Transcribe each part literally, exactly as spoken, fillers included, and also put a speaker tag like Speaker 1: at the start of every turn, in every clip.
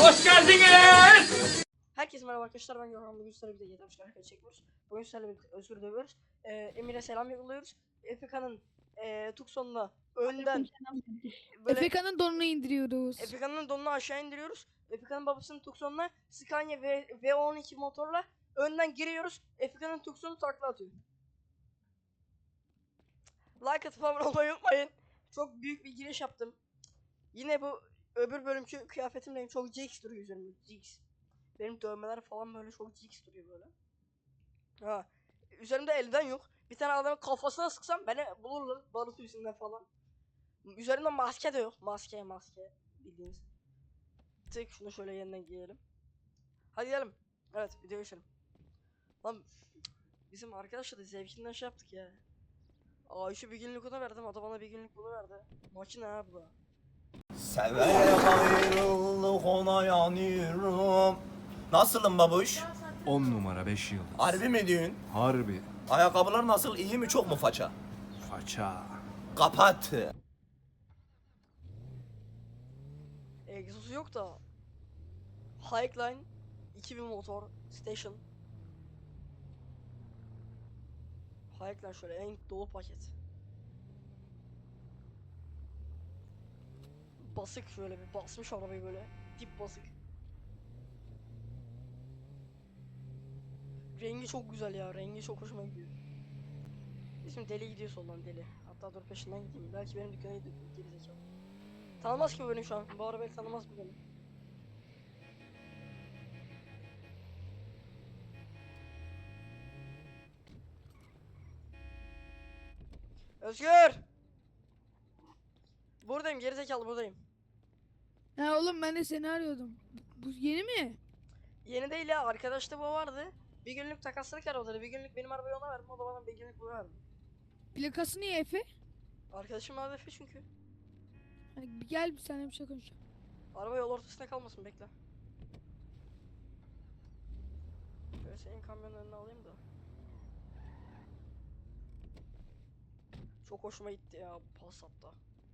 Speaker 1: Hoş geldiniz.
Speaker 2: Herkese merhaba arkadaşlar, ben Gökhan. Bugün sizlerle bir de yedi hareket çekiyoruz. Bugün sizlerle birlikte Özgür dövüyoruz. Ee, Emir'e selam yolluyoruz. Efeka'nın e, Tucson'la önden böyle
Speaker 3: Efeka'nın donunu indiriyoruz.
Speaker 2: Efeka'nın donunu aşağı indiriyoruz. Efeka'nın babasının Tucson'la Scania V V12 motorla önden giriyoruz. Efeka'nın Tucson'u takla atıyor. Like atıp abone olmayı unutmayın. Çok büyük bir giriş yaptım. Yine bu öbür bölümkü kıyafetimle çok G X duruyor üzerimde. G X. Benim dövmeler falan böyle çok G X duruyor böyle. Ha. Üzerimde elden yok. Bir tane adamın kafasına sıksam beni bulurlar. Barut yüzünden falan. Üzerimde maske de yok. Maske maske. Bildiğiniz. Tık şunu şöyle yeniden giyelim. Hadi gidelim. Evet, video geçelim. Lan bizim arkadaşla da zevkinden şey yaptık ya. Aa, şu bir günlük ona verdim. O da bana bir günlük bunu verdi. Makine ha bu da.
Speaker 4: Severek ayrıldık ona yanıyorum. Nasılım babuş?
Speaker 5: On numara beş yıl.
Speaker 4: Harbi mi diyorsun?
Speaker 5: Harbi.
Speaker 4: Ayakkabılar nasıl? İyi mi, çok mu faça?
Speaker 5: Faça.
Speaker 4: Kapat.
Speaker 2: Egzozu yok da. Highline iki bin motor station. Highline şöyle en dolu paket. Basık şöyle bir basmış arabayı böyle. Dip basık. Rengi çok güzel ya. Rengi çok hoşuma gidiyor. Bizim deli gidiyor soldan deli. Hatta dur peşinden gideyim. Belki benim dükkana gidiyor. Geri zekalı. Tanımaz ki bu beni şu an. Bu arabayı tanımaz bu beni. Özgür! Buradayım, gerizekalı buradayım.
Speaker 3: Ha oğlum, ben de seni arıyordum. Bu yeni mi?
Speaker 2: Yeni değil ya, arkadaşta bu vardı. Bir günlük takaslık arabaları, bir günlük benim arabayı ona verdim, o da bana bir günlük bunu verdi.
Speaker 3: Plakası niye Efe?
Speaker 2: Arkadaşım Adefe çünkü.
Speaker 3: Ha, bir gel bir saniye bir şey konuşalım.
Speaker 2: Araba yol ortasında kalmasın, bekle. Şöyle senin kamyonun önüne alayım da. Çok hoşuma gitti ya bu Passat'ta.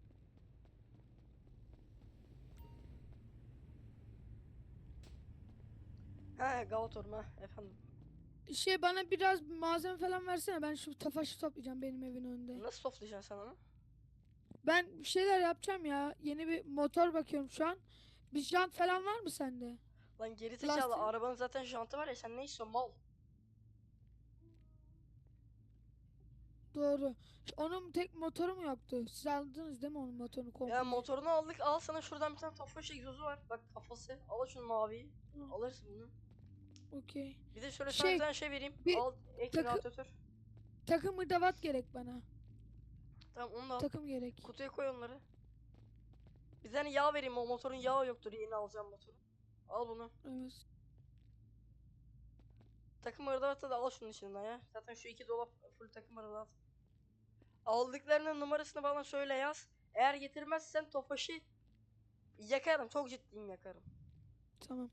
Speaker 2: He Gavator mu efendim?
Speaker 3: Şey, bana biraz malzeme falan versene, ben şu tafaşı toplayacağım benim evin önünde.
Speaker 2: Nasıl toplayacaksın sen onu?
Speaker 3: Ben bir şeyler yapacağım ya. Yeni bir motor bakıyorum şu an. Bir jant falan var mı sende?
Speaker 2: Lan geri zekalı,
Speaker 3: Plastik.
Speaker 2: arabanın zaten jantı var ya, sen ne istiyorsun mal?
Speaker 3: Doğru. Onun tek motoru mu yoktu? Siz aldınız değil mi onun motorunu komple?
Speaker 2: Ya motorunu aldık, al sana şuradan bir tane Tofaş egzozu var. Bak kafası, al şunu maviyi.
Speaker 3: Hı.
Speaker 2: Alırsın bunu.
Speaker 3: Okey.
Speaker 2: Bir de şöyle sana
Speaker 3: Şey,
Speaker 2: bir tane şey vereyim.
Speaker 3: bir
Speaker 2: Al ek
Speaker 3: takı-
Speaker 2: radyatör.
Speaker 3: Takım hırdavat gerek bana.
Speaker 2: Tamam onu da al.
Speaker 3: Takım gerek.
Speaker 2: Kutuya koy onları. Bir tane yağ vereyim, o motorun yağı yoktur, yeni alacağım motoru. Al bunu.
Speaker 3: Evet.
Speaker 2: Takım hırdavatı da al şunun içinden ya. Zaten şu iki dolap full takım hırdavat. Aldıklarının numarasını bana söyle, yaz. Eğer getirmezsen Tofaş'ı yakarım, çok ciddiyim, yakarım.
Speaker 3: Tamam.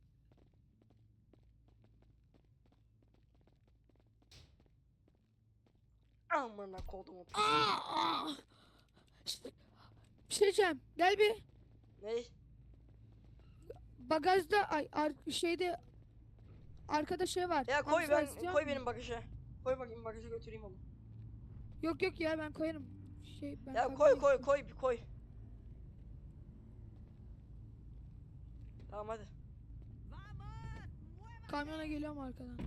Speaker 2: Amına kodumu.
Speaker 3: Aa! Bir şey diyeceğim. Gel bir.
Speaker 2: Ney?
Speaker 3: Bagajda ay ar şeyde arkada şey var.
Speaker 2: Ya koy,
Speaker 3: Amstel
Speaker 2: ben
Speaker 3: istiyor
Speaker 2: koy
Speaker 3: musun?
Speaker 2: benim bagaja. Koy bakayım bagaja, götüreyim onu.
Speaker 3: Yok yok ya, ben koyarım. Şey ben
Speaker 2: Ya
Speaker 3: kamyona
Speaker 2: koy koy
Speaker 3: gittim.
Speaker 2: koy bir koy. Tamam hadi.
Speaker 3: Kamyona geliyorum arkadan.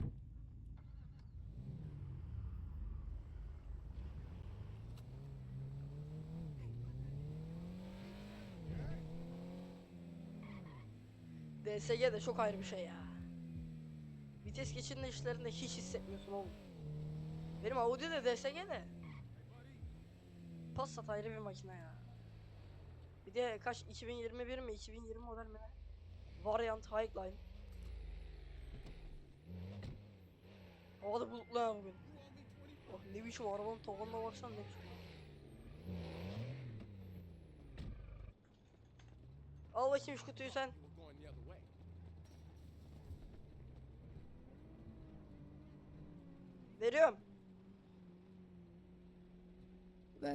Speaker 2: D S G de çok ayrı bir şey ya. Vites geçirme işlerinde hiç hissetmiyorsun oğlum. Benim Audi de D S G de. Passat ayrı bir makine ya. Bir de kaç, iki bin yirmi bir mi iki bin yirmi model mi ne? Variant Highline. Havada bulutlu ha bugün. Oh ne biçim arabanın tavanına baksana, ne biçim. Al bakayım şu kutuyu sen. Veriyorum.
Speaker 3: Ver.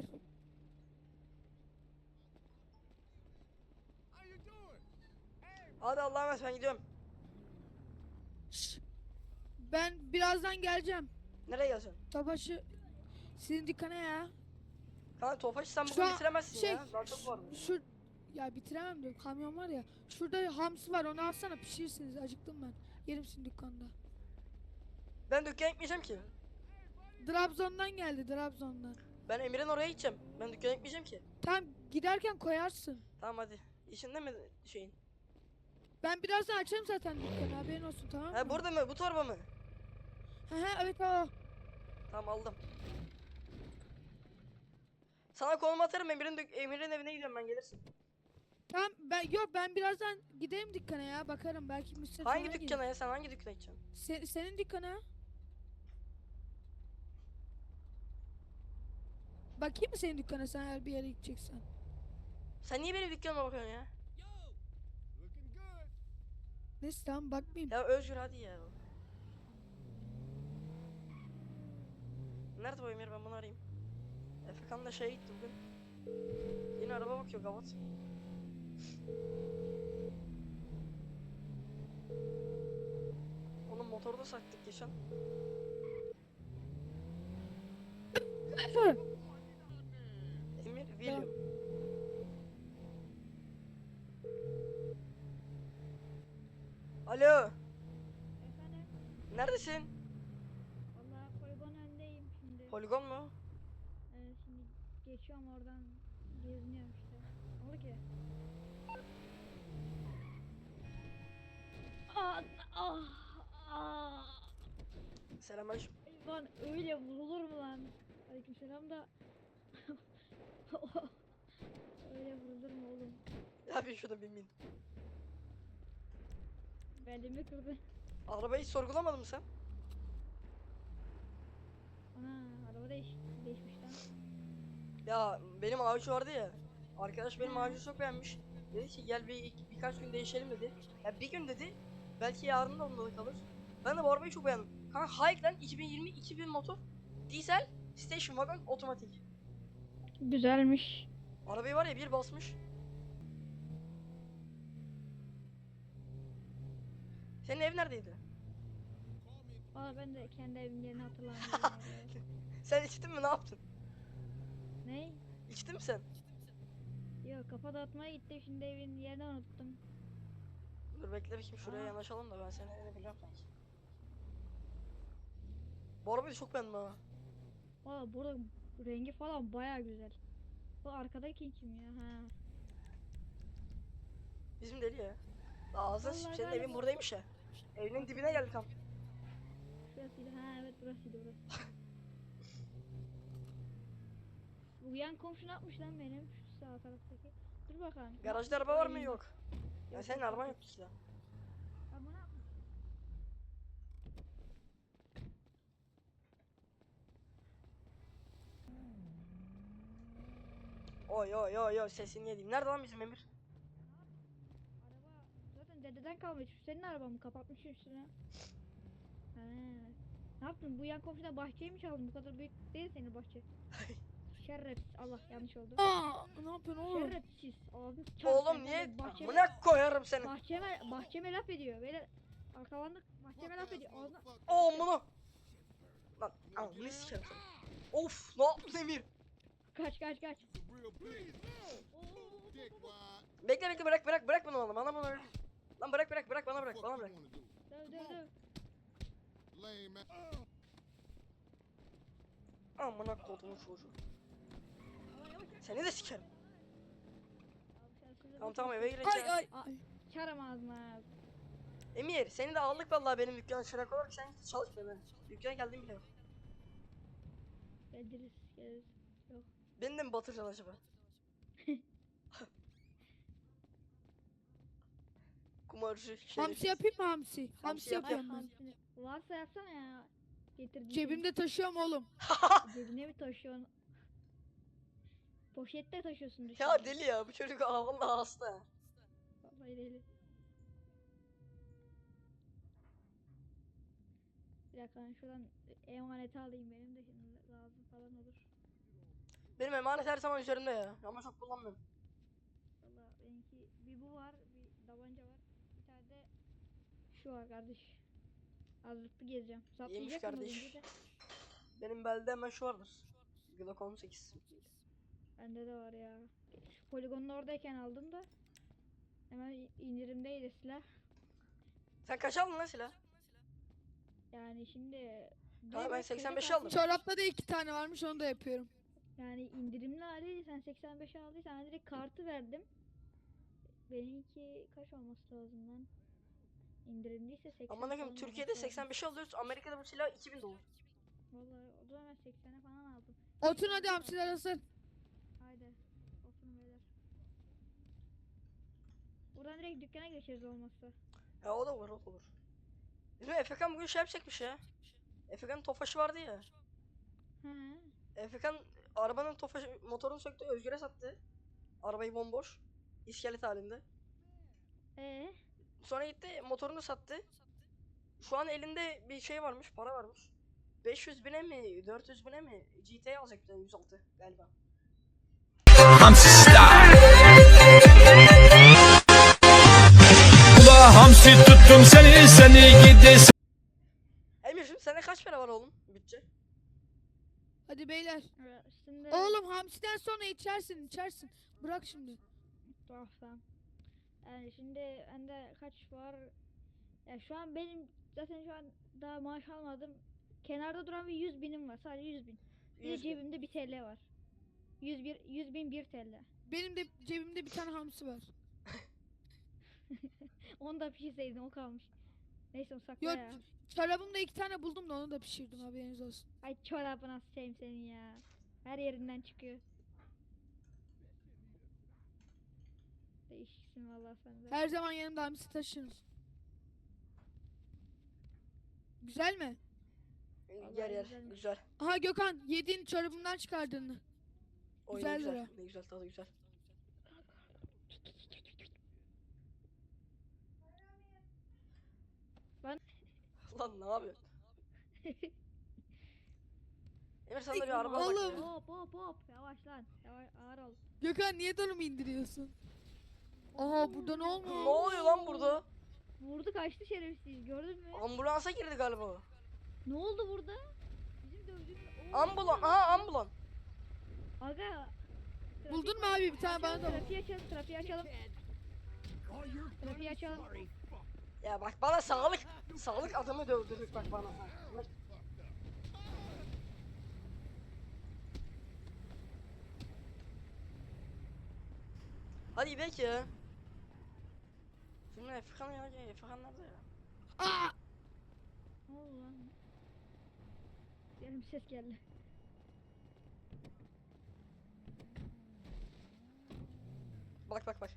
Speaker 2: Hadi Allah'a emanet, ben gidiyorum.
Speaker 3: Şş, ben birazdan geleceğim.
Speaker 2: Nereye gelsin?
Speaker 3: Topaşı sizin dükkana ya.
Speaker 2: Kanka Tofaş'ı sen
Speaker 3: Şu
Speaker 2: bugün
Speaker 3: an
Speaker 2: bitiremezsin
Speaker 3: şey,
Speaker 2: ya. Daha çok var.
Speaker 3: Şu ya bitiremem diyor. Kamyon var ya. Şurada hamsi var. Onu alsana, pişirirsiniz. Acıktım ben. Yerim sizin dükkanda.
Speaker 2: Ben dükkana gitmeyeceğim ki.
Speaker 3: Trabzon'dan geldi, Trabzon'dan.
Speaker 2: Ben Emir'in oraya gideceğim. Ben dükkana gitmeyeceğim ki.
Speaker 3: Tamam, giderken koyarsın.
Speaker 2: Tamam hadi. İçinde mi şeyin?
Speaker 3: Ben birazdan açarım zaten dükkanı, haberin olsun, tamam mı?
Speaker 2: Ha burada mı? Bu torba mı?
Speaker 3: He he, evet o.
Speaker 2: Tamam aldım. Sana konum atarım, Emir'in dük- Emir'in evine gidiyorum, ben gelirsin.
Speaker 3: Tamam, ben yok ben birazdan gideyim dükkana ya, bakarım belki müşteri
Speaker 2: Hangi
Speaker 3: falan gelir.
Speaker 2: dükkana ya? Sen hangi dükkana gideceksin?
Speaker 3: Se- senin dükkana. Bakayım mı senin dükkana, sen eğer bir yere gideceksen?
Speaker 2: Sen niye benim dükkanıma bakıyorsun ya?
Speaker 3: Neyse tamam, bakmayayım.
Speaker 2: Ya Özgür hadi ya. Nerede bu Emir, ben bunu arayayım. Efekan da şeye gitti bugün. Yine araba bakıyor gavat. Onun motoru da sattık geçen. Emir William. Alo,
Speaker 6: Efendim,
Speaker 2: neredesin?
Speaker 6: valla poligon önündeyim şimdi.
Speaker 2: Poligon mu?
Speaker 6: Ee, şimdi geçiyorum oradan, geziniyorum işte. Ne oldu ki? Ah, ah, ah.
Speaker 2: Selamünaleyküm.
Speaker 6: Lan öyle vurulur mu lan? Aleykümselam da. Öyle vurulur mu oğlum?
Speaker 2: Ya bir şurada bin bin.
Speaker 6: Belimi kırdı.
Speaker 2: Arabayı hiç sorgulamadın mı sen?
Speaker 6: Ana, araba değiş değişmiş lan.
Speaker 2: Ya benim ağaç vardı ya. Arkadaş benim ağacı çok beğenmiş. Dedi ki gel bir birkaç gün değişelim dedi. Ya bir gün dedi. Belki yarın da onda da kalır. Ben de bu arabayı çok beğendim. Kanka Highland iki bin yirmi iki bin motor. Diesel station wagon otomatik.
Speaker 6: Güzelmiş.
Speaker 2: Arabayı var ya bir basmış. Senin ev neredeydi?
Speaker 6: Valla ben de kendi evimin yerini hatırlamıyorum.
Speaker 2: Sen içtin mi, ne yaptın?
Speaker 6: Ne?
Speaker 2: İçtin mi sen?
Speaker 6: Yok, kafa dağıtmaya gittim, şimdi evin yerini unuttum.
Speaker 2: Dur bekle bakayım, şuraya
Speaker 6: Aa.
Speaker 2: yanaşalım da ben senin evini biliyorum sanki. Bu arabayı çok beğendim ha.
Speaker 6: Valla burada rengi falan baya güzel. Bu arkadaki kim ya? Ha.
Speaker 2: Bizim deli ya. Ağzına
Speaker 6: Vallahi
Speaker 2: sıçayım, senin
Speaker 6: galiba-
Speaker 2: evin buradaymış ya. Evinin dibine geldik tam.
Speaker 6: Şurasıydı. Ha evet, burasıydı burası. Bu yan komşu ne yapmış lan benim? Şu sağ taraftaki. Dur bakalım.
Speaker 2: Garajda araba var mı?
Speaker 6: Ay,
Speaker 2: Yok. Ya
Speaker 6: Yok,
Speaker 2: senin
Speaker 6: yok,
Speaker 2: araban
Speaker 6: yok.
Speaker 2: yok ki ya.
Speaker 6: Ama ne yapmış?
Speaker 2: Oy oy oy oy, sesini yedim. Nerede lan bizim Emir?
Speaker 6: Araba zaten dededen kalmış. Senin araban mı? Kapatmış üstüne. Ha. Ne yaptın? Bu yan komşudan bahçeyi mi çaldın? Bu kadar büyük değil senin bahçe. Şerefsiz. Allah, yanlış oldu.
Speaker 3: Aa, ne yapıyorsun oğlum?
Speaker 6: Şerefsiz. Ağzını çarptı.
Speaker 2: Oğlum
Speaker 6: Ben
Speaker 2: niye?
Speaker 6: de bahçeme-
Speaker 2: Buna koyarım seni.
Speaker 6: Bahçeme, bahçeme laf ediyor. Böyle arkalandık, bahçeme laf ediyor. Ağzına...
Speaker 2: Oğlum bunu. Lan ağzını sikerim seni. Of, ne yaptın Emir?
Speaker 6: Kaç kaç kaç.
Speaker 2: Bekle bekle, bırak bırak bırak bunu bana. Bana bunu bırak. Lan bırak bırak bırak, bana bırak bana bırak.
Speaker 6: Döv döv döv.
Speaker 2: Amına kodumun çocuğu. Seni de sikerim. Tamam tamam, eve
Speaker 3: Ay
Speaker 2: gireceğim.
Speaker 3: ay.
Speaker 6: Aa, çarım ağzına.
Speaker 2: Emir seni de aldık vallahi benim dükkana, şuna koyarak sen git çalış be ben. Dükkana geldim bile.
Speaker 6: Geliriz geliriz. Yok.
Speaker 2: Beni de mi batıracaksın acaba? Kumarcı şey.
Speaker 3: Hamsi yapayım mı hamsi? Hamsi
Speaker 2: yap,
Speaker 3: yapıyorum
Speaker 6: Ay,
Speaker 3: ben.
Speaker 6: hamsini. Varsa yapsana ya. Getirdim.
Speaker 3: Cebimde taşıyorum oğlum.
Speaker 6: Cebine mi taşıyorsun? Poşette taşıyorsun düşün.
Speaker 2: Ya deli ya bu çocuk, aa vallahi hasta.
Speaker 6: Vallahi deli. Bir dakika, ben şuradan emaneti alayım, benim de şimdi lazım falan olur.
Speaker 2: Benim emanet her zaman üzerimde ya. Ama çok kullanmıyorum.
Speaker 6: Valla benimki bir bu var, bir tabanca var. işi var kardeş. Hazırlıklı gezeceğim.
Speaker 2: İyiymiş
Speaker 6: Saplayacak mı
Speaker 2: kardeş.
Speaker 6: bence de?
Speaker 2: Benim belde hemen şu vardır. Glock on sekiz.
Speaker 6: Bende de var ya. Şu poligonun oradayken aldım da. Hemen indirimdeydi silah.
Speaker 2: Sen kaç aldın lan silah?
Speaker 6: Yani şimdi...
Speaker 2: Tamam, ben
Speaker 6: direkt
Speaker 2: seksen beş
Speaker 6: kayda
Speaker 2: aldım.
Speaker 3: Çorapta da iki tane varmış onu da yapıyorum.
Speaker 6: Yani indirimli hali sen seksen beş aldıysan ben direkt kartı verdim. Benimki kaç olması lazım lan? İndirimliyse seksen
Speaker 2: Aman akım
Speaker 6: falan
Speaker 2: Türkiye'de
Speaker 6: olması lazım.
Speaker 2: seksen beş alıyoruz. Amerika'da bu silah iki bin dolar.
Speaker 6: Vallahi o zaman ben seksene falan aldım.
Speaker 3: Oturun hadi hamsiler asıl.
Speaker 6: Haydi. Oturun beyler. Buradan direkt dükkana geçeriz olmazsa.
Speaker 2: Ya o da olur, o da olur. Bizim Efekan bugün şey yapacakmış ya. Efekan'ın tofaşı vardı ya.
Speaker 6: Hı.
Speaker 2: Efekan arabanın tofaşı, motorunu söktü, Özgür'e sattı. Arabayı bomboş. İskelet halinde.
Speaker 6: Ee,
Speaker 2: Sonra gitti motorunu sattı. Şu an elinde bir şey varmış, para varmış. beş yüz bine mi, dört yüz bine mi G T alacak bir tane, yüz altı galiba.
Speaker 1: Hamsi style. Ula hamsi tuttum seni seni gidesin.
Speaker 2: Emir'cim sende kaç para var oğlum bütçe?
Speaker 3: Hadi beyler.
Speaker 6: şimdi...
Speaker 3: Oğlum hamsiden sonra içersin içersin. Bırak şimdi.
Speaker 6: Tamam tamam. Yani şimdi bende kaç var? Ya şu an benim zaten şu an daha maaş almadım. Kenarda duran bir yüz binim var. Sadece yüz bin. Bir de
Speaker 2: yüz bin.
Speaker 6: cebimde bir T L var. yüz bir yüz bin bir T L.
Speaker 3: Benim de cebimde bir tane hamsi var.
Speaker 6: Onu da pişirseydim o kalmış. Neyse o sakla
Speaker 3: Yok
Speaker 6: ya.
Speaker 3: çorabımda iki tane buldum da onu da pişirdim haberiniz olsun.
Speaker 6: Ay çorabına seveyim senin ya. Her yerinden çıkıyor. Değişiksin vallahi sen de.
Speaker 3: Her zaman yanımda hamsi taşırım. Güzel mi?
Speaker 6: Vallahi
Speaker 2: Yer yer
Speaker 6: güzelmiş.
Speaker 2: güzel.
Speaker 3: Aha Gökhan yediğin çorabımdan çıkardığını.
Speaker 2: O
Speaker 3: Güzel
Speaker 2: ne güzel,
Speaker 3: lira.
Speaker 2: ne güzel, tadı güzel.
Speaker 6: Ben-
Speaker 2: Lan ne yapıyorsun? Emir sana da bir araba
Speaker 3: Oğlum.
Speaker 2: bak ya.
Speaker 6: Hop hop hop. Yavaş lan. Yavaş ağır ol.
Speaker 3: Gökhan niye donumu indiriyorsun? Aha burada ne olmuş?
Speaker 2: Ne oluyor lan burada?
Speaker 6: Vurdu kaçtı şerefsiz. Gördün mü?
Speaker 2: Ambulansa girdi galiba.
Speaker 6: Ne oldu burada? Bizim dövdüğümüz... Oo,
Speaker 2: Ambulan, aha ambulan.
Speaker 6: Aga.
Speaker 3: Buldun mu abi bir tane bana da bul.
Speaker 6: Trafiği açalım, trafiği açalım. Trafiği açalım.
Speaker 2: Ya bak bana sağlık, sağlık adamı dövdürdük bak bana. Hadi gidelim ya. Şimdi Efekan ya, Efekan nerede ya?
Speaker 3: Aa!
Speaker 6: Ne oldu lan? Benim ses geldi.
Speaker 2: Bak bak bak.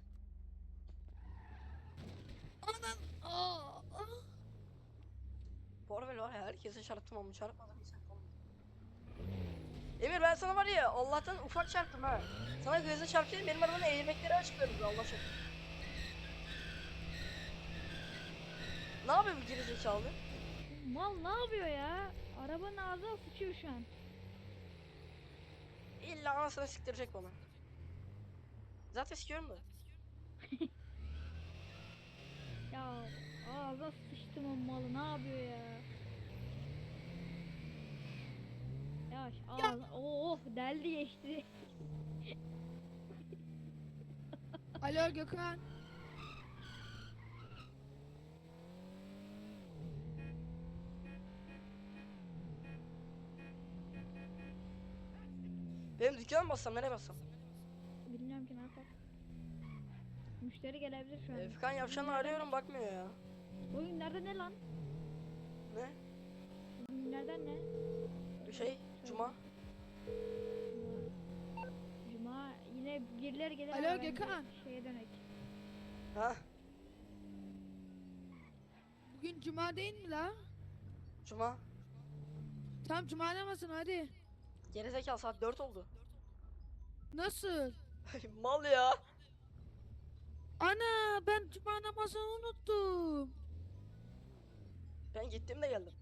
Speaker 3: Anan! Aa! Aa!
Speaker 2: Bu araba var ya, herkese çarptım ama çarpmadım hiç. Emir ben sana var ya Allah'tan ufak çarptım ha. Sana gözle çarpayım, benim arabanın eğilmekleri açıklıyorum Allah aşkına. Ne yapıyor bu gerizekalı?
Speaker 6: Mal ne yapıyor ya? Arabanın ağzına sıçıyor şu an.
Speaker 2: İlla anasını siktirecek bana. Zaten sikiyorum da.
Speaker 6: Ya ağzına sıçtım o malı ne yapıyor ya? Yavaş ağzına oh deldi geçti.
Speaker 3: Alo Gökhan.
Speaker 2: Benim dükkana mı bassam, nereye bassam?
Speaker 6: Bilmiyorum ki ne yapar. Müşteri gelebilir şu an.
Speaker 2: Efekan Yavşan'ı arıyorum bakmıyor ya.
Speaker 6: Bugün günlerden ne lan?
Speaker 2: Ne?
Speaker 6: Bugün günlerden ne?
Speaker 2: Şey, Cuma.
Speaker 6: Cuma yine birileri gelir.
Speaker 3: Alo,
Speaker 6: ama bence
Speaker 3: Gökhan.
Speaker 6: Şeye dönek.
Speaker 2: Ha?
Speaker 3: Bugün cuma değil mi la?
Speaker 2: Cuma.
Speaker 3: Tamam cuma namazın hadi.
Speaker 2: Gerizekalı saat dört oldu.
Speaker 3: Nasıl?
Speaker 2: Mal ya.
Speaker 3: Ana ben cuma namazını unuttum.
Speaker 2: Ben gittim de geldim.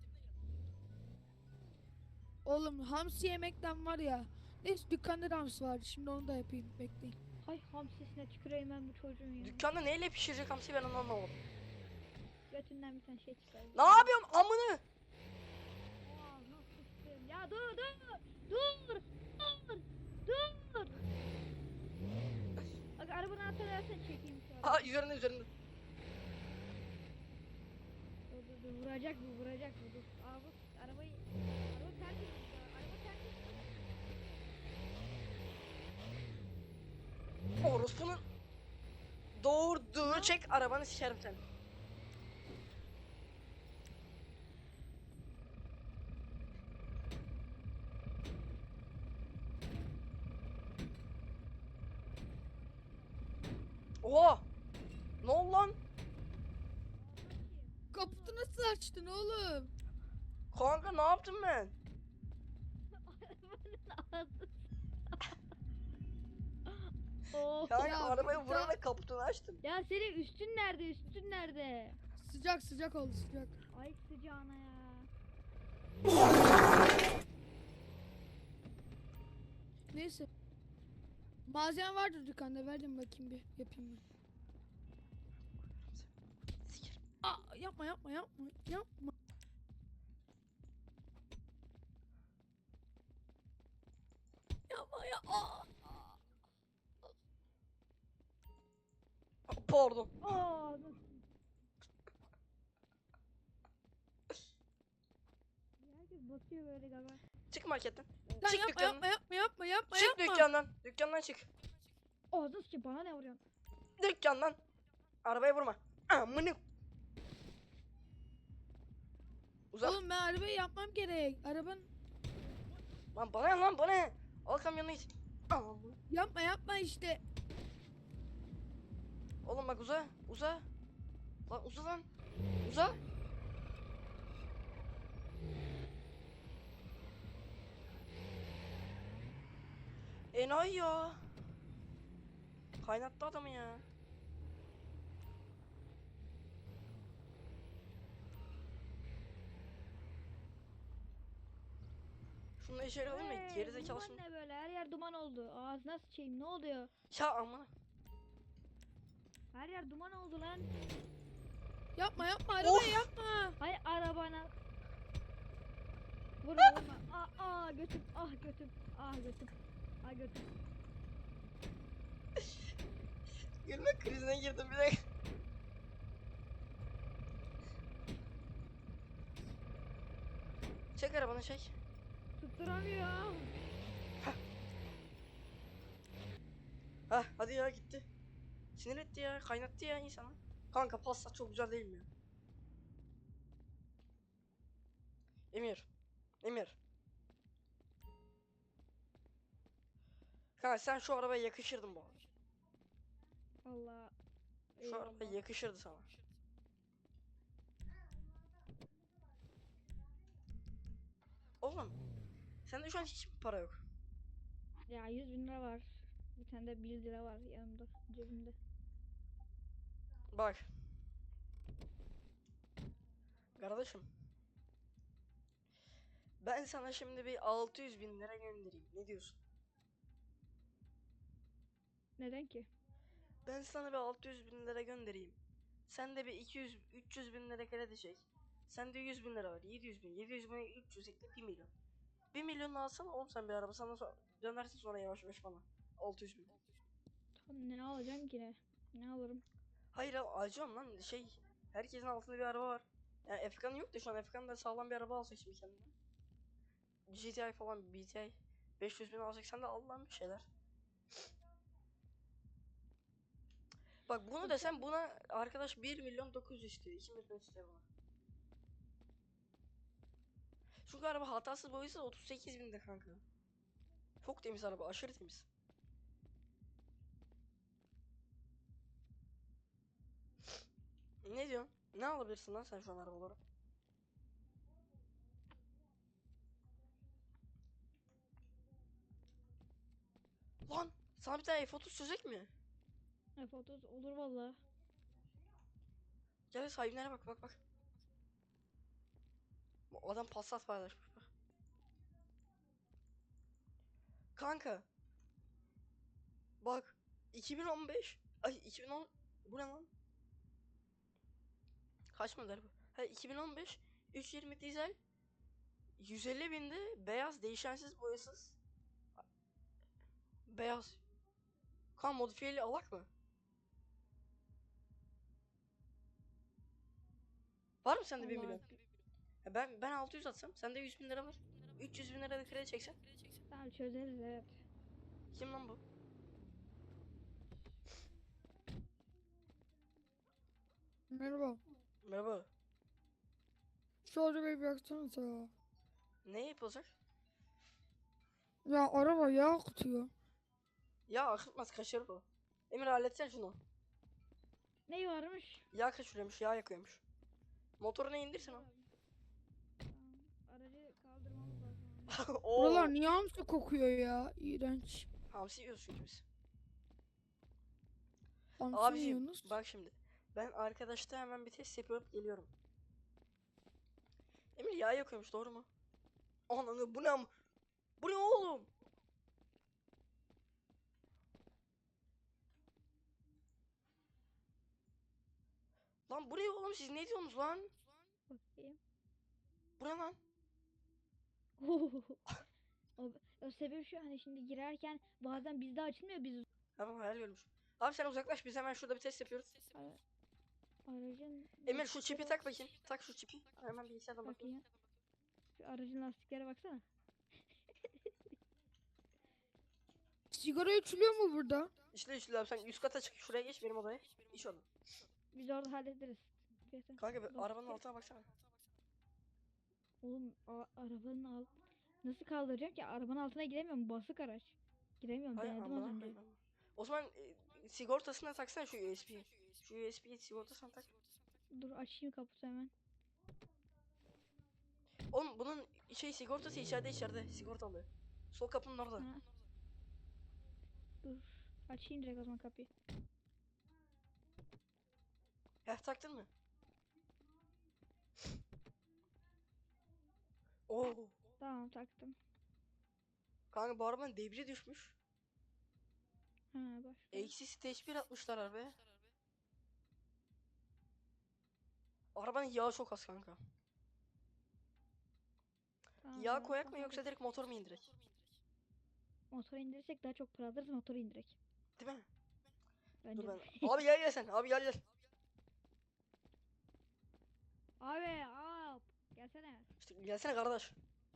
Speaker 3: Oğlum hamsi yemekten var ya. Neyse dükkanda da hamsi vardı. Şimdi onu da yapayım. Bekleyin.
Speaker 6: Ay hamsisine tüküreyim ben bu çocuğun ya.
Speaker 2: Dükkanda neyle pişirecek hamsi ben onu anlamadım.
Speaker 6: götünden bir tane şey çıkar.
Speaker 2: Ne yapıyorsun amını?
Speaker 6: Aa, nasıl sıçtım? Ya dur dur. Dur. Dur. Dur. Bak arabanın anahtarı versen çekeyim şu an.
Speaker 2: Aa üzerinde üzerinde.
Speaker 6: Dur dur dur vuracak bu vuracak bu dur. Araba arabayı araba terk etmiş ya. Araba terk etmiş.
Speaker 2: Orospunun doğurduğu çek arabanı sikerim seni. Oha! Ne oldu lan?
Speaker 3: Kaputu nasıl açtın oğlum?
Speaker 2: Kanka ne yaptım ben?
Speaker 6: Ağzı. Oh.
Speaker 2: Kanka
Speaker 3: Ya,
Speaker 2: arabayı
Speaker 3: bir
Speaker 2: vurarak kaputunu açtım.
Speaker 6: Ya senin üstün nerede? Üstün nerede?
Speaker 3: Sıcak sıcak oldu sıcak.
Speaker 6: Ay sıcağına ya.
Speaker 3: Neyse. Malzeme vardır dükkanda, verdim bakayım bir yapayım ben.
Speaker 2: Sikerim.
Speaker 3: Aa, yapma yapma yapma yapma. Yapma ya. Aa.
Speaker 2: Pardon.
Speaker 6: Aa, dur. Herkes bakıyor böyle galiba.
Speaker 2: Çık marketten.
Speaker 3: Lan
Speaker 2: Çık
Speaker 3: yapma
Speaker 2: dükkandan.
Speaker 3: yapma yapma yapma yapma
Speaker 2: Çık
Speaker 3: yapma.
Speaker 2: dükkandan. Dükkandan çık.
Speaker 6: Ağzını sıçı bana ne vuruyorsun?
Speaker 2: Dükkandan. Arabaya vurma. Amını. Uzak.
Speaker 3: Oğlum ben arabayı yapmam gerek. Arabanın
Speaker 2: Lan bana ne lan bana ne? Al kamyonu git. Amına.
Speaker 3: yapma yapma işte.
Speaker 2: Oğlum bak uza. Uza. Lan uza lan. Uza. Enayi ya. Kaynattı adamı ya. Şunu içeri alayım mı?
Speaker 6: Hey,
Speaker 2: Geri
Speaker 6: bu
Speaker 2: zekalı
Speaker 6: duman
Speaker 2: şimdi.
Speaker 6: ne böyle? Her yer duman oldu. Ağzına sıçayım ne oluyor?
Speaker 2: Ya amına.
Speaker 6: Her yer duman oldu lan.
Speaker 3: Yapma yapma arabayı
Speaker 2: Of.
Speaker 3: yapma.
Speaker 6: Hay arabana. Vurma vurma. Aa, aa götüm. Ah götüm. Ah götüm. Ah götüm.
Speaker 2: Gülme krizine girdim bir dakika. Çek arabanı çek.
Speaker 6: Tutturamıyor.
Speaker 2: Hah hadi ya gitti. Sinir etti ya, kaynattı ya insanı. Kanka pasta çok güzel değil mi ya? Emir. Emir. Kanka sen şu arabaya yakışırdın bu arada.
Speaker 6: Allah.
Speaker 2: Şu arabaya yakışırdı sana. Oğlum. Sende şu an hiç mi para yok?
Speaker 6: Ya yüz bin lira var. Bir tane de bir lira var yanımda cebimde.
Speaker 2: Bak. Kardeşim. Ben sana şimdi bir altı yüz bin lira göndereyim. Ne diyorsun?
Speaker 6: Neden ki?
Speaker 2: Ben sana bir altı yüz bin lira göndereyim. Sen de bir iki yüz üç yüz bin lira kredi çek. Sende yüz bin lira var. yedi yüz bin. yedi yüz bin üç yüz ekle bir milyon. bir milyon alsana oğlum sen bir araba. Sana so dönersin sonra yavaş yavaş bana. altı yüz bin.
Speaker 6: Tam ne alacağım ki ne? Ne alırım?
Speaker 2: Hayır abi acıyorum lan şey. Herkesin altında bir araba var. Yani Efkan'ın yok da şu an Efkan da sağlam bir araba alacak şimdi kendine. G T I falan B T I. beş yüz bin alacak sen de al lan bir şeyler. Bak bunu desem buna arkadaş bir milyon dokuz yüz istiyor. iki milyon istiyor buna. Çünkü araba hatasız boyuysa otuz sekiz binde kanka. Çok temiz araba, aşırı temiz. Ne diyorsun? Ne alabilirsin lan sen şu an arabaları? Lan sana bir tane F otuz çözecek mi?
Speaker 6: F otuz olur valla.
Speaker 2: Gel sahibine bak bak bak. Bu adam Passat paylaşmış bak. Kanka. Bak. iki bin on beş. Ay iki bin on. Bu ne lan? Kaç model bu? Ha iki bin on beş üç yüz yirmi dizel yüz elli binde beyaz değişensiz boyasız. Beyaz. Kan modifiyeli alak mı? Var mı sende bir
Speaker 6: Allah.
Speaker 2: milyon? Ha ben ben altı yüz atsam sende yüz bin lira var. üç yüz bin lira da kredi çeksen.
Speaker 6: Tamam çözeriz evet.
Speaker 2: Kim lan bu?
Speaker 3: Merhaba.
Speaker 2: Merhaba.
Speaker 3: Şu arabayı bıraksanıza ya.
Speaker 2: Ne yapılacak?
Speaker 3: Ya araba yağ akıtıyor.
Speaker 2: Ya akıtmaz kaçırır o. Emir halletsen şunu.
Speaker 6: Ne varmış?
Speaker 2: Yağ kaçırıyormuş, yağ yakıyormuş. Motorunu indirsin o.
Speaker 6: Tamam. Aracı kaldırmamız lazım.
Speaker 2: Oo.
Speaker 3: Buralar niye hamsi kokuyor ya? İğrenç.
Speaker 2: Hamsi yiyoruz çünkü biz.
Speaker 3: Hamsi mi
Speaker 2: Abiciğim
Speaker 3: yiyorsunuz?
Speaker 2: bak şimdi. Ben arkadaşta hemen bir test yapıp geliyorum. Emir yağ yakıyormuş doğru mu? Ananı bu ne am- Bu ne oğlum? Lan bu ne oğlum siz ne diyorsunuz lan?
Speaker 6: Bakayım.
Speaker 2: Bu ne lan?
Speaker 6: o, o sebep şu hani şimdi girerken bazen bizde açılmıyor biz
Speaker 2: Tamam hayal görmüş. Abi sen uzaklaş biz hemen şurada bir test yapıyoruz.
Speaker 6: Ara- aracın
Speaker 2: Emir şu
Speaker 6: lastikleri-
Speaker 2: çipi tak bakayım. Tak şu çipi. Hemen bilgisayardan bakayım.
Speaker 6: bakayım. Şu aracın lastiklere baksana.
Speaker 3: Sigara içiliyor mu burada?
Speaker 2: İşte işte abi sen üst kata çık şuraya geç benim odaya. İş orada.
Speaker 6: Biz orada hallederiz. Zaten
Speaker 2: Kanka bir
Speaker 6: lastikleri-
Speaker 2: arabanın altına baksana.
Speaker 6: Oğlum a- arabanın alt nasıl kaldıracak ki? Arabanın altına giremiyorum. Basık araç. Giremiyorum.
Speaker 2: Hay
Speaker 6: Denedim az
Speaker 2: amına
Speaker 6: önce.
Speaker 2: koyayım ben. O zaman e, sigortasına taksana şu U S B'yi. Şu U S B'yi sigortasına tak.
Speaker 6: Dur açayım kaputu hemen.
Speaker 2: Oğlum bunun şey sigortası içeride içeride sigortalı. Sol kapının orada.
Speaker 6: Ha. Dur. Açayım direkt o zaman kapıyı.
Speaker 2: Heh taktın mı? Oo.
Speaker 6: Tamam taktım.
Speaker 2: Kanka bu arabanın debri düşmüş.
Speaker 6: Ha bak.
Speaker 2: Eksi stage bir atmışlar arabaya. Arabanın yağı çok az kanka.
Speaker 6: Tamam,
Speaker 2: Yağ
Speaker 6: biraz
Speaker 2: koyak mı
Speaker 6: daha
Speaker 2: yoksa direkt motor mu indirek?
Speaker 6: motoru indirirsek daha çok para alırız motoru indirek.
Speaker 2: Değil mi?
Speaker 6: Bence
Speaker 2: Dur
Speaker 6: de.
Speaker 2: ben. Abi gel gel sen. Abi gel gel.
Speaker 6: Abi hop. Gelsene.
Speaker 2: İşte gelsene kardeş.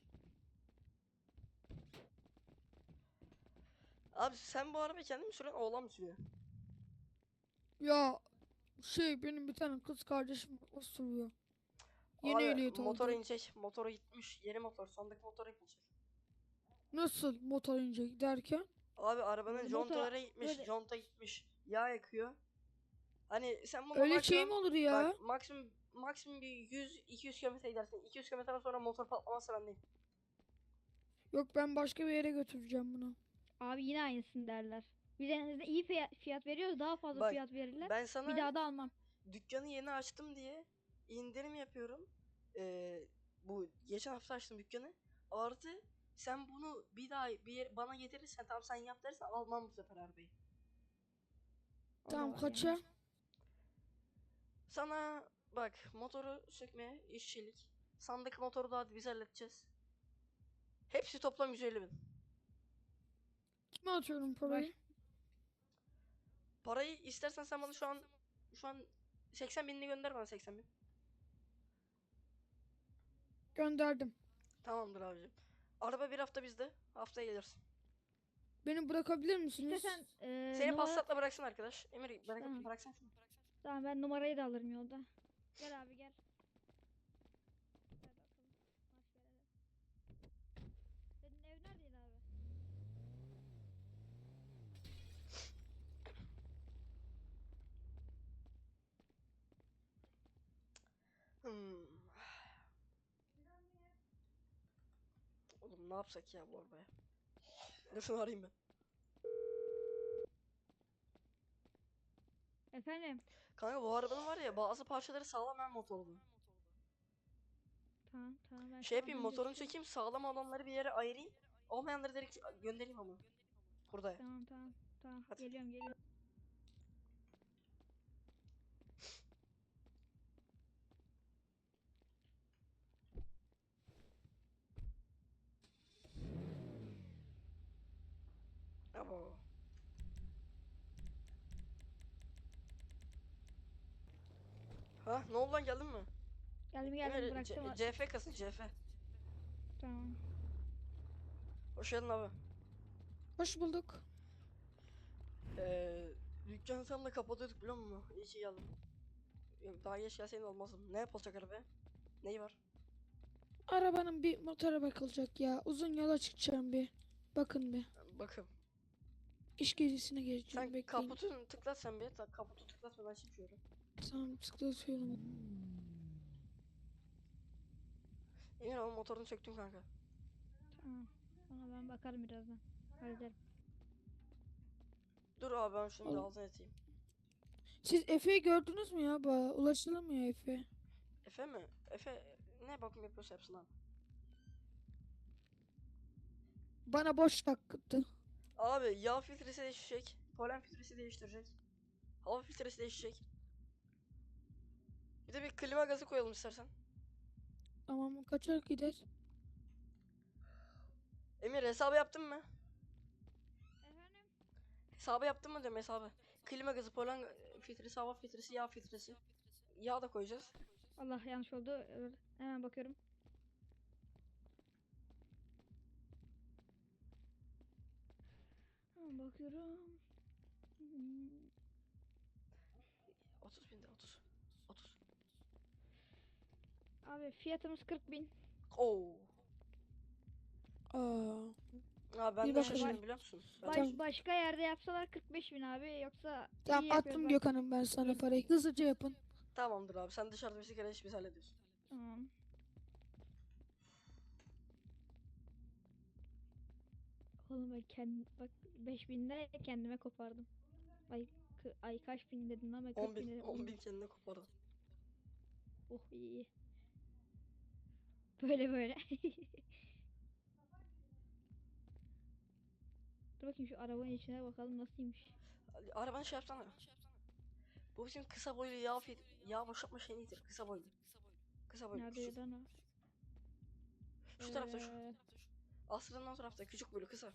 Speaker 2: Abi sen bu arabayı kendin mi sürüyorsun? Oğlan mı sürüyor?
Speaker 3: Ya şey benim bir tane kız kardeşim o sürüyor. Yeni
Speaker 2: Abi
Speaker 3: ehliyet
Speaker 2: motor
Speaker 3: aldı.
Speaker 2: inecek. Motoru gitmiş. Yeni motor. Sondaki motor yapılacak.
Speaker 3: Nasıl motor inecek derken?
Speaker 2: Abi arabanın
Speaker 6: Motor-
Speaker 2: contaları gitmiş.
Speaker 6: böyle-
Speaker 2: Conta gitmiş. Yağ yakıyor. Hani sen bunu
Speaker 3: Öyle şey mi
Speaker 2: maksimum-
Speaker 3: olur ya?
Speaker 2: Bak maksimum maksimum bir yüz iki yüz kilometre gidersin. iki yüz kilometreden sonra motor patlamazsa ben değilim.
Speaker 3: Yok ben başka bir yere götüreceğim bunu.
Speaker 6: Abi yine aynısını derler. Biz en azından iyi fiya- fiyat veriyoruz. Daha fazla
Speaker 2: Bak,
Speaker 6: fiyat verirler.
Speaker 2: Ben sana
Speaker 6: Bir daha da almam.
Speaker 2: dükkanı yeni açtım diye indirim yapıyorum. Ee, bu geçen hafta açtım dükkanı. Artı sen bunu bir daha bir yer, bana getirirsen tamam sen yap dersen almam bu sefer arabayı.
Speaker 6: O da
Speaker 3: Tamam
Speaker 6: var
Speaker 3: kaça?
Speaker 6: yani.
Speaker 2: Sana bak motoru sökme, işçilik. Sandık motoru da hadi biz halledeceğiz. Hepsi toplam yüz elli bin.
Speaker 3: Kime atıyorum parayı?
Speaker 2: Parayı istersen sen bana şu an şu an seksen binini gönder bana seksen bin.
Speaker 3: Gönderdim.
Speaker 2: Tamamdır abicim. Araba bir hafta bizde. Haftaya gelirsin.
Speaker 3: Beni bırakabilir misiniz?
Speaker 6: İstersen eee
Speaker 2: Seni
Speaker 6: numara...
Speaker 2: Passat'la bıraksın arkadaş. Emir bırak,
Speaker 6: Tamam.
Speaker 2: bıraksan şunu.
Speaker 6: Tamam ben numarayı da alırım yolda. Gel abi gel. Gel bakalım. Hoş geldin. Senin ev neredeydi abi?
Speaker 2: Hmm. Oğlum ne yapsak ya bu arabaya? Dur şunu arayayım ben.
Speaker 6: Efendim?
Speaker 2: Kanka bu arabanın var ya bazı parçaları sağlam hem motorlu.
Speaker 6: Tamam tamam ben
Speaker 2: Şey yapayım
Speaker 6: az önce
Speaker 2: motorunu
Speaker 6: çıktım.
Speaker 2: çekeyim sağlam olanları bir yere ayırayım. Olmayanları direkt göndereyim ama. Burada.
Speaker 6: Tamam tamam tamam
Speaker 2: Hadi.
Speaker 6: geliyorum geliyorum.
Speaker 2: Ha ne oldu lan, geldin mi?
Speaker 6: Geldim geldim
Speaker 2: Emir,
Speaker 6: bıraktım.
Speaker 2: C- CF kasın C F.
Speaker 6: Tamam.
Speaker 2: Hoş geldin abi.
Speaker 3: Hoş bulduk.
Speaker 2: Ee, dükkanı tam da kapatıyorduk biliyor musun? İyi ki geldin. Yok, daha geç gelseydin olmazdım. Ne yapılacak arabaya? Neyi var?
Speaker 3: Arabanın bir motora bakılacak ya. Uzun yola çıkacağım bir. Bakın bir.
Speaker 2: Bakın.
Speaker 3: İş gezisine geleceğim.
Speaker 2: Sen
Speaker 3: Bekleyin.
Speaker 2: kaputunu tıklat sen bir. Ta- Kaputu tıklatma, ben çıkıyorum.
Speaker 3: Tamam tıklatıyorum.
Speaker 2: Emir ama motorunu söktüm kanka.
Speaker 6: Tamam. Ona ben bakarım birazdan. Hallederim.
Speaker 2: Dur abi ben şunu bir
Speaker 3: Oğlum.
Speaker 2: altına eteyim.
Speaker 3: Siz Efe'yi gördünüz mü ya? Ba ulaşılamıyor Efe.
Speaker 2: Efe mi? Efe ne bakım yapıyorsa yapsın abi.
Speaker 3: Bana boş taktı.
Speaker 2: Abi yağ filtresi değişecek. Polen filtresi değiştirecek. Hava filtresi değişecek. Bir de bir klima gazı koyalım istersen.
Speaker 3: Tamam kaçar gider.
Speaker 2: Emir hesabı yaptın mı?
Speaker 6: Efendim?
Speaker 2: Hesabı yaptın mı diyorum, hesabı. Klima gazı, polen filtresi, hava filtresi, yağ filtresi. Yağ da koyacağız.
Speaker 6: Allah yanlış oldu. Evet, hemen bakıyorum. Hemen bakıyorum. Hmm,
Speaker 2: otuz binde otuz. otuz.
Speaker 6: Abi fiyatımız kırk bin.
Speaker 2: Oo.
Speaker 3: Aa.
Speaker 2: Abi ben
Speaker 3: Bir
Speaker 2: de
Speaker 3: bakalım.
Speaker 2: şaşırdım biliyor musun? Ben
Speaker 6: Baş,
Speaker 3: Tamam.
Speaker 6: başka yerde yapsalar kırk beş bin abi. Yoksa
Speaker 3: Tamam
Speaker 6: iyi yapıyoruz
Speaker 3: attım
Speaker 6: bak.
Speaker 3: Gökhan'ım ben sana parayı. Hızlıca yapın.
Speaker 2: Tamamdır abi, sen dışarıda bir sigara iç, biz hallediyoruz.
Speaker 6: Tamam. Oğlum ben kendim bak beş binde kendime kopardım. Ay kı- ay kaç bin dedim lan ben
Speaker 2: on
Speaker 6: kırk bin
Speaker 2: bin,
Speaker 6: dedim.
Speaker 2: on bin kendine kopardı.
Speaker 6: Oh iyi. Böyle böyle. Dur bakayım şu arabanın içine bakalım nasılmış.
Speaker 2: Arabanı şey yapsana. Bu bizim kısa boylu yağ fil yağ boşaltma şeyidir. Kısa boylu. Kısa boylu.
Speaker 6: Nerede
Speaker 2: Küçük.
Speaker 6: lan o?
Speaker 2: Şu tarafta şu.
Speaker 6: Ee,
Speaker 2: Asrın o tarafta küçük boylu kısa.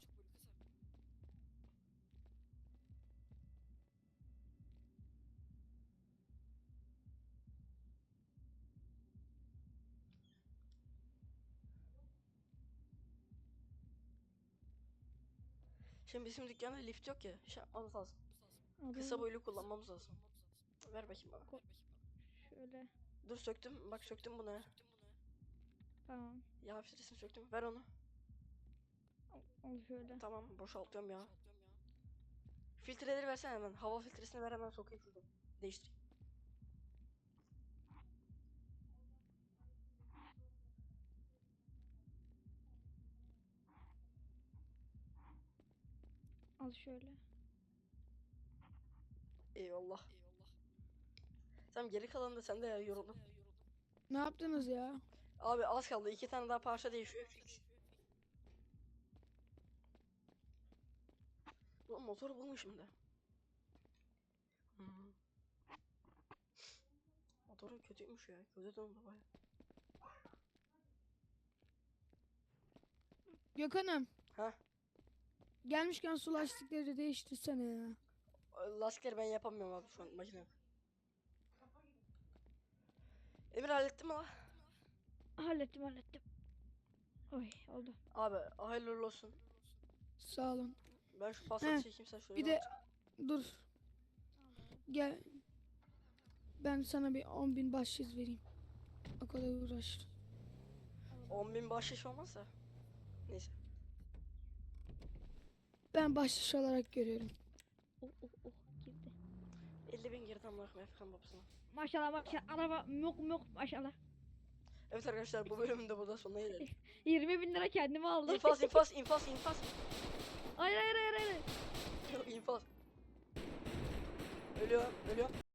Speaker 2: Şimdi bizim dükkanda lift yok ya. Şey yapmamız lazım. Kısa
Speaker 6: adı-
Speaker 2: boylu kullanmamız lazım. Ver bakayım bana.
Speaker 6: Şöyle.
Speaker 2: Dur söktüm. Bak söktüm bunu.
Speaker 6: Tamam.
Speaker 2: Yağ filtresini söktüm. Ver onu.
Speaker 6: Al, al şöyle.
Speaker 2: Tamam boşaltıyorum ya. Filtreleri versene hemen. Hava filtresini ver, hemen sokayım şuradan. Değiştireyim.
Speaker 6: Al şöyle.
Speaker 2: Eyvallah. Tamam, geri kalanı da sende ya, yoruldum.
Speaker 3: Ne yaptınız ya?
Speaker 2: Abi az kaldı. İki tane daha parça değişiyor. Fix. Ulan motoru bulmuşum da. Hmm. Motoru kötüymüş ya. Kötü döndü baya.
Speaker 3: Gökhan'ım.
Speaker 2: Ha?
Speaker 3: Gelmişken su lastikleri değiştirsene ya.
Speaker 2: Lastikleri ben yapamıyorum abi şu an, makine yok. Emir hallettin mi la?
Speaker 6: Hallettim hallettim. Oy oldu.
Speaker 2: Abi hayırlı uğurlu olsun.
Speaker 3: Sağ olun.
Speaker 2: Ben şu pasatı
Speaker 3: He,
Speaker 2: çekeyim, sen şuraya
Speaker 3: Bir de
Speaker 2: bak.
Speaker 3: dur. Gel. Ben sana bir on bin bahşiş vereyim. O kadar uğraştım.
Speaker 2: on bin bahşiş olmazsa. Neyse.
Speaker 3: Ben bahşiş olarak görüyorum.
Speaker 6: Oh oh oh girdi.
Speaker 2: elli bin girdi amına koyayım Efkan babasına.
Speaker 6: Maşallah maşallah araba myok myok maşallah.
Speaker 2: Evet arkadaşlar, bu bölümün de burada sonuna gelelim.
Speaker 6: yirmi bin lira kendime aldım.
Speaker 2: infaz infaz infaz infaz.
Speaker 6: Hayır hayır hayır hayır.
Speaker 2: Yok infaz. Ölüyor ölüyor.